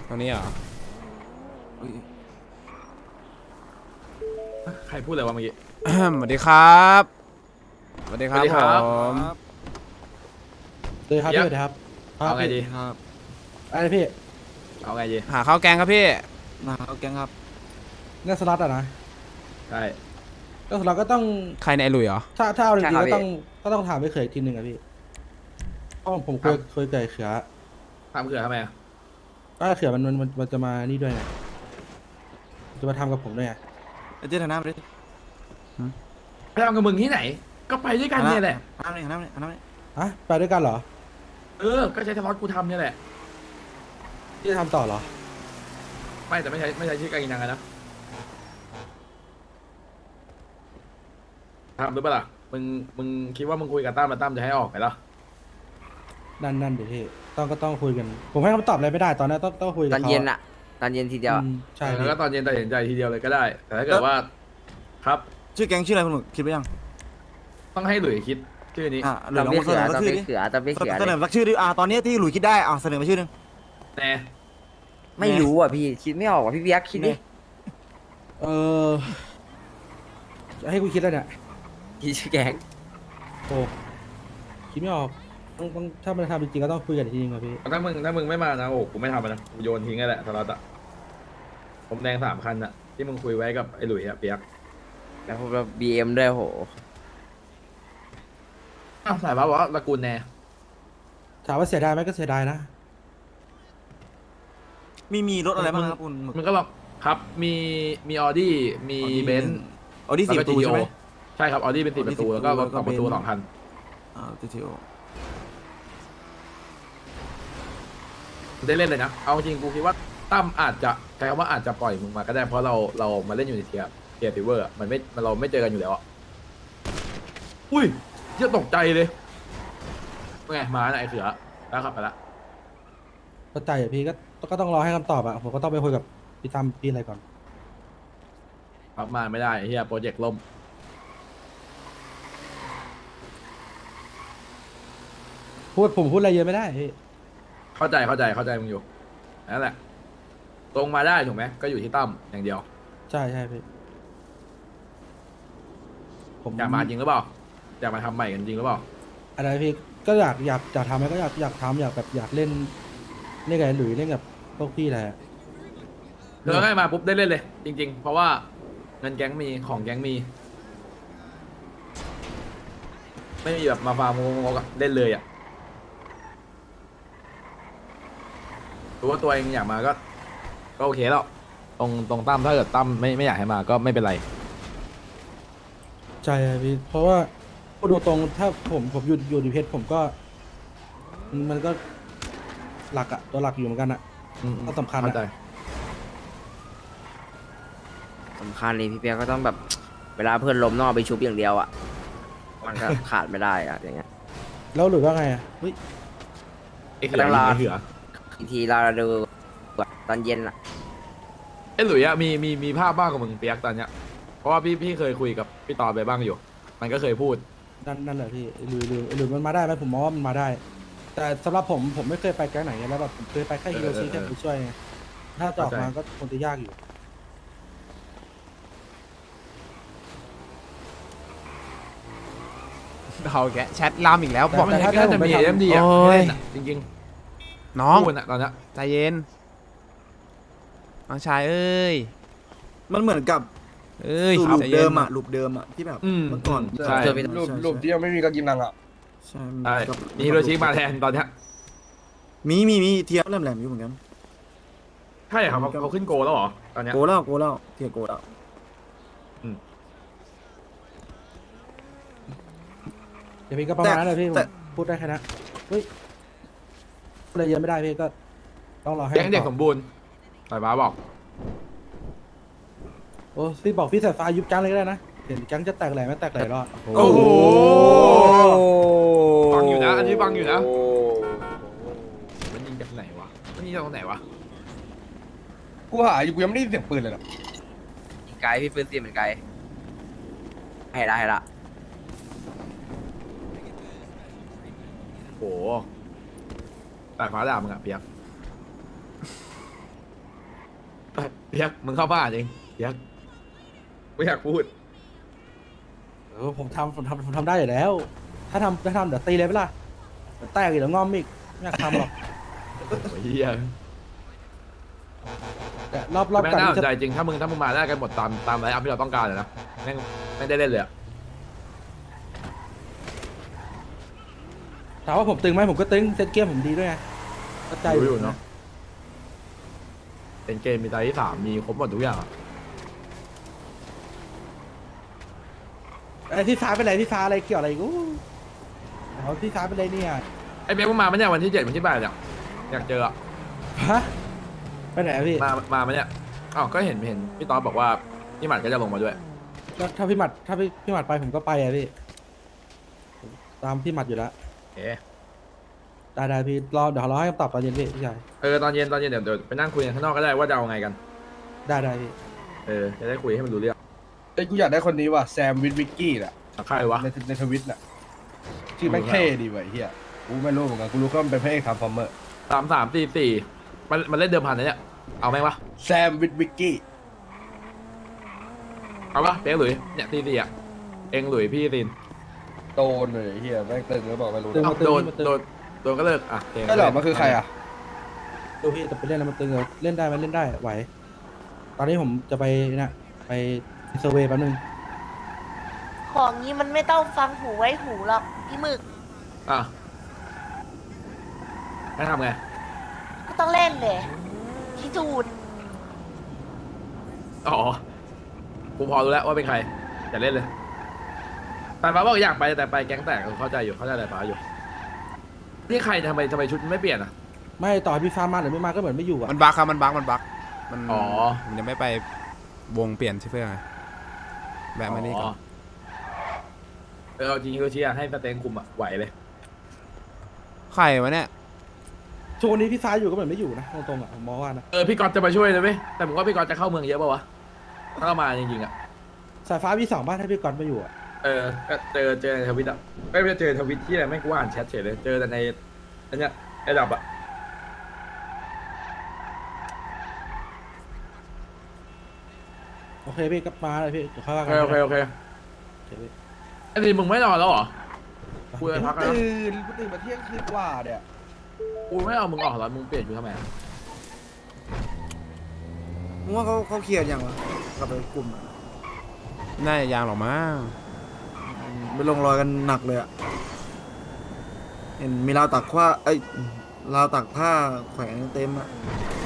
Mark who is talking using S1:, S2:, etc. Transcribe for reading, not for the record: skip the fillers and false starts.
S1: ตรงนี้เหรอ
S2: อุ๊ย
S3: ใครพูดอะไรวะเมื่อกี้
S1: สวัสดีครับสวัสดีครับ
S3: สวัสดีครับ
S1: ผม
S4: เลยครับ
S3: เดี๋ยว
S4: พี่สวัสดีครับ
S3: เอาไงดี
S2: ครับ
S4: อะไรพี่
S3: เอาไงดี
S1: หาข้าวแกงครับพี่
S2: มาเอาแกงครับ
S4: เรื่องสล็อตอะนะ
S3: ใช่
S4: เรื่องสล็อตก็ต้อง
S1: ใครในไอ้หลุยเหรอ
S4: ถ้าเอาจริง
S5: ใช่
S4: ๆ
S5: ครับ
S4: ก็ต้องถามไปเขยอีกทีหนึ่งอะพี่เพราะผมเคยเกิดเขือ
S3: ทำเขื่อนทำไมอะ
S4: ก็เขือมันจะมานี่ด้วยไงจะมาทำกับผมด้วยไง
S2: ไอ้เจ๊ทางน้ำดิ
S3: ไปทำกับมึงที่ไหน ก็ไปด้วยกันเนี่ยแหละ
S2: น้ำนี่น้ำนี่น้ำนี่
S4: อะไปด้วยกันเหรอ
S3: ก็ใช้สล็อตกูทำเนี่ยแหละ
S4: ที่จะทำต่อเหรอ
S3: ไม่แต่ไม่ใช้ชื่อการกินยังไงนะทำหรือเปล่าล่ะมึงคิดว่ามึงคุยกับตั้มแล้วตั้มจะให้ออกไปเหรอ
S4: นั่นเดี๋ยวพี่ก็ต้องคุยกัน ผมให้คำตอบอะไรไม่ได้ตอนนี้ต้องคุยกับ
S5: ตอน
S4: เขา
S5: เย็นอะตอนเย็นทีเดียวอะ
S4: ใช่
S3: แล้ว
S4: พี่
S3: ก็ตอนเย็นตัดสินใจทีเดียวเลยก็ได้ แต่ถ้าเกิดว่า ครับ
S2: ชื่อแกงชื่ออะไรคุณหนุ่มคิดไปยัง
S3: ต้องให้หลุยคิดชื่อนี้
S2: หรือ
S5: ตอน
S2: ลอง
S5: พี่
S2: เส
S5: เขื
S2: น
S5: อ
S2: อ
S5: ตอน
S2: ชื่อ
S5: พี่
S2: ดิ
S5: เขือตอนพี่เขือ
S2: เสน
S5: เล
S2: อย สักชื่อดิตอนนี้ที่หลุยคิดได้เสนอมาชื่อนึง
S3: แน่
S5: ไม่รู้อ่ะพี่คิดไม่ออกอ่ะพี่เบียกคิดดิ
S4: เออจะให้กูคิดแล้วเนี่ย
S5: คิดชื่อแกง
S4: โอ้คิดไม่ออกต้องถ้ามันทำจริงๆก็ต้องคุยกันอีกทีนึงอะพี่
S3: ถ้ามึงไม่มานะโอ้กูไม่ทำมันนะกูโยนทิ้งกันแหละสล็อตอะผมแดง3 คันอะที่มึงคุยไว้กับไอ้หลุยอะเปียก
S5: แล้วพวกเราบีเอ็มด้วยโห
S3: อ้าวสายฟ้าบอกว่าตระกูลแน่
S4: ถามว่าเสียดายไหมก็เสียดายนะ
S2: มีรถอะไรบ้างครับคุณหมึก
S3: มันก็ลองครับมีออดี้มีเบนซ์
S2: ออดี้
S3: แล้ว
S2: สี่
S3: ก็
S2: ประตูใช่ไหม
S3: ใช่ครับออดี้เป็น4 ประตู แล้วก็รถ 2 ประตู 2 คัน
S2: GTO
S3: ได้เล่นเลยนะ เอาจริงกูคิดว่าตั้มอาจจะใช้คำว่าอาจจะปล่อยมึงมาก็ได้เพราะเรามาเล่นอยู่ในเทียร์ฟิเวอร์มันไม่เราไม่เจอกันอยู่แล้วอะอุ้ยเหี้ยตกใจเลยเป็นไงมาไหนไอ้เสือแล้วขับไปละ
S4: เข้าใจอ่ะพี่ก็ต้องรอให้คำตอบอ่ะผมก็ต้องไปคุยกับพี่ตั้มพี่อะไรก่อน
S3: ขับมาไม่ได้ไอ้เฮียโปรเจกต์ล่ม
S4: ผมพูดอะไรเยอะไม่ได้พี่
S3: เข้าใจมึงอยู่นั่นแหละตรงมาได้ถูกไหมก็อยู่ที่ตั้มอย่างเดียว
S4: ใช่พี่ผม
S3: อยากมาจริงหรือเปล่าอยากมาทำใหม่กันจริงหรือเปล่า
S4: อะไรพี่ก็อยากทำไหมก็อยากทำอยากเล่นกับไอ้หลุยเล่นกับพวกพี่แหละ
S3: เธอให้มาปุ๊บได้เล่นเลย จริง ๆ เพราะว่าเงินแก๊งมีของแก๊งมี ไม่มีแบบมาฟาร์มงกๆอะเล่นเลยอ่ะรู้ว่าตัวเองอยากมาก็โอเคแล้วตรงตั้มถ้าเกิดตั้มไม่อยากให้มาก็ไม่เป็นไร
S4: ใช่พี่เพราะว่าพูดตรงๆถ้าผมอยู่ดีเพชรผมก็ มันก็หลักอะตัวหลักอยู่เหมือนกันอะ ก็สำคัญอะ
S3: เข้าใจ
S5: สำคัญเลยพี่เบียกก็ต้องแบบ เวลาเพื่อนล้มต้องเอาไปชุบอย่างเดียวอ่ะมันก็ขาดไม่ได้อ่ะอย่างเงี้ย
S4: แล้วหลุยว่าไงอะเฮ้ย
S3: ไอ้เขือยิงไอ้เขือ
S5: อีกทีเราดูตอนเย็นอ่ะ
S3: ไอ้หลุยอะมีภาพบ้างกับมึงเปียกตอนเนี้ยเพราะว่าพี่เคยคุยกับพี่ตอนไปบ้างอยู่ มันก็เคยพูด
S4: นั่นแหละพี่หลุยมันมาได้ไหมผมมองว่ามันมาได้ แต่สำหรับผมไม่เคยไปแก๊งไหนไงแล้วแบบผมเคยไปแค่ฮิโรชิแค่ไปช่วยไงถ้าจะออกมาก็คงจะยากอยู่
S1: เขาแกแชทลามอีกแล้วบอก
S3: มัน
S4: แต่ถ้า
S3: น่าจะมี
S4: ผมไปทำ
S3: เอ็มดีอะ
S1: โอ้ย
S3: เล่นอะจริง
S1: น้อง
S3: ๆพูดอะตอนเนี้ย
S1: ใจเย็นน้องชายเอ้ย
S2: มันเหมือนกับ
S1: เอ้ย
S2: ลูป
S1: ใจย็
S2: เดิ
S1: น
S2: มลูปเดิมที่แบบเมื่อก่อน
S3: ใช่
S5: เจอไป
S6: รูปที่ยังไม่มีกากินนังอ่ะ
S2: ใช่
S3: ใช่มีฮิโรชิมาแทนตอนเนี้ย
S2: มีเทียบแหลมๆอยู่เหมือนกัน
S3: ใช่ครับเขาขึ้นโกแล้วเหรอตอนเนี้ย
S2: โกแล้วเทียโกแล้ว
S4: เดี๋ยวพี่ก็ประมาณนั้นเลยพี่ผมพูดได้แค่นั้นเฮ้ยพูดอะไรเยอะไม่ได้พี่ก็ต้องรอให้
S3: แก๊งเด็กสมบูรณ์สายฟ้าบอก
S4: โอ้พี่บอกพี่สายฟ้ายุบแก๊งเลยก็ได้นะเห็นแก๊งจะแตกแหล่ไม่แตกแหล่หรอก
S3: โอ้โห ฟังอยู่นะ อันนี้ฟังอยู่นะ มันยิงจากไหนวะ มันยิงจากตรงไหนวะ
S6: กูหาอยู่กูยังไม่ได้ยินเสียงปืนเลยนะ
S5: ไกลพี่ปืนตีเหมือนไกลให้ละ
S3: โหแต่ฟ้าด่ามึงอะเปียกเปียกมึงเข้าบ้านเองเปียกไม่อยากพูด
S4: ผมทำได้อยู่แล้ว ถ้าทำเดี๋ยวตีเลยไปล่ะเดี๋ยวแตกอีกเดี๋ยวงอมอีกไม่อยากทำหรอก
S3: โอ้ยเหี้ย
S4: แต่รอบ
S3: แม่ง
S4: ก่อน
S3: น่าส
S4: ที่
S3: นใจ
S4: จะ
S3: จริงถ้ามึงมาได้กันหมดตามไลน์อัพที่เราต้องการเลยนะแม่งไม่ได้เล่นเลยอะ
S4: ถามว่าผมตึงไหมผมก็ตึงเซตเกมผมดีด้วยไงเข้าใจ
S3: รู้อยู่เนาะเป็นเกมมีไตรที่สามมีครบหมดทุกอย่างอะ
S4: ไอ้ที่ฟ้าเป็นไรที่ฟ้าอะไรเกี่ยวอะไรกูเอาที่ฟ้าเป็นไรเนี่ย
S3: ไอ้เปียกมึงมาไหมเนี่ยวันที่7วันที่8เนี่ยอยากเจออะ
S4: ฮะไปไหนอะพี่
S3: มาไหมเนี่ยอ้าวก็เห็นพี่ตอนบอกว่าพี่หมัดก็จะลงมาด้วย
S4: ก็ถ้าพี่หมัดไปผมก็ไปอะพี่ผมตามพี่หมัดอยู่แล้ว
S3: เอ๊ะ
S4: ได้พี่เดี๋ยวรอให้คำตอบตอนเย็นพี่ชาย
S3: ตอนเย็นเดี๋ยวไปนั่งคุยกันข้างนอกก็ได้ว่าจะเอาไงกัน
S4: ได้พี่
S3: จะได้คุยให้มันรู้เรื่อง
S6: เอ้ยกูอยากได้คนนี้ว่ะแซมวิกกี้น่ะ
S3: ใครวะ
S6: ในทวิตน่ะชื่อแม่งเท่ดีว่ะไอ้เฮียกูไม่รู้เหมือนกันกูรู้ก็มันเป็นพระเอกทำฟอร์เมอร์
S3: 3 3 4 4มันเล่นเดิมพันนะเนี่ยเอาไหมวะ
S6: แซมวิกกี้
S3: เอาปะเปียกหลุยเนี่ย4 4อะเองหลุยพี่ซิน
S6: โดนเลยไอ้เฮียแม่งตึงหรือเปล่าไม่รู้
S3: เอ้าโดนก็เลิกอ่ะเอง
S6: ไม่หรอกมันคือใครอ่ะ
S4: ดูพี่แต่ไปเล่นแล้วมันตึงเหรอเล่นได้ไหมเล่นได้ไหว ตอนนี้ผมจะไปไปเซอร์เวย์แป๊บนึง
S7: ของนี้มันไม่ต้องฟังหูไว้หูหรอกพี่หมึก
S3: อ่ะให้ทำไง
S7: ก็ต้องเล่นเลยพี่จูน
S3: อ๋อกูพอรู้แล้วว่าเป็นใครอย่าเล่นเลยแต่ฟ้าบอกอยากไปแต่ไปแก๊งแตกเข้าใจอะไรฟ้าอยู่นี่ใครทำไมชุดไม่เปลี่ยนอ่ะ
S4: ไม่ต่อให้พี่ฟ้ามาหรือไม่มาก็เหมือนไม่อยู่อ่ะ
S1: มันบั๊กครับมันบั๊กมัน
S3: อ๋อ
S1: มันยังไม่ไปวงเปลี่ยนชื่อเพื่อนไงแวะมานี่ก่อน
S3: เอาจริงๆก็เชียร์ให้สเต็งคุมอ่ะไหวเลย
S1: ใครวะเนี่ย
S4: ช่วงนี้พี่ฟ้าอยู่ก็เหมือนไม่อยู่นะตรงๆอ่ะผมมองว่านะ
S3: พี่กอตจะมาช่วยเลยไหมแต่ผมว่าพี่กอตจะเข้าเมืองเยอะป่าวะถ้าเรามาจริงๆอ่ะ
S4: สายฟ้าพี่2บ้านถ้าพี่กอนมาอยู่อ่ะ
S3: ก็เจอในทวิตอ่ะไม่ได้เจอทวิตที่อะไรไม่กูอ่านแชทเฉยเลยเจอแต่ในอันเนี้ยไอ้ดับอ่ะ
S4: โอเคพี่ก็มาเลยพี่เดี๋ยวค่อยว่า
S3: โอ
S4: กัน
S3: เค
S4: โอเคพี่
S3: ไอ้ทีมึงไม่นอนแล้วเหรอกูจะพักแล้ว
S6: ตื่นมาเที่ยงคืนกว่าเนี่ย
S3: กูไม่เอามึงออกแล้วมึงเปลี่ยนกูทำไม
S2: มึงว่าเขาเคลียร์ยังวะกลับไปกลุ่มอะ
S1: น่าจะยางหรอกมั้ง
S2: ไม่ลงรอยกันหนักเลยอะเห็นมีราวตักผ้าราวตักผ้าแขวนเต็มอะ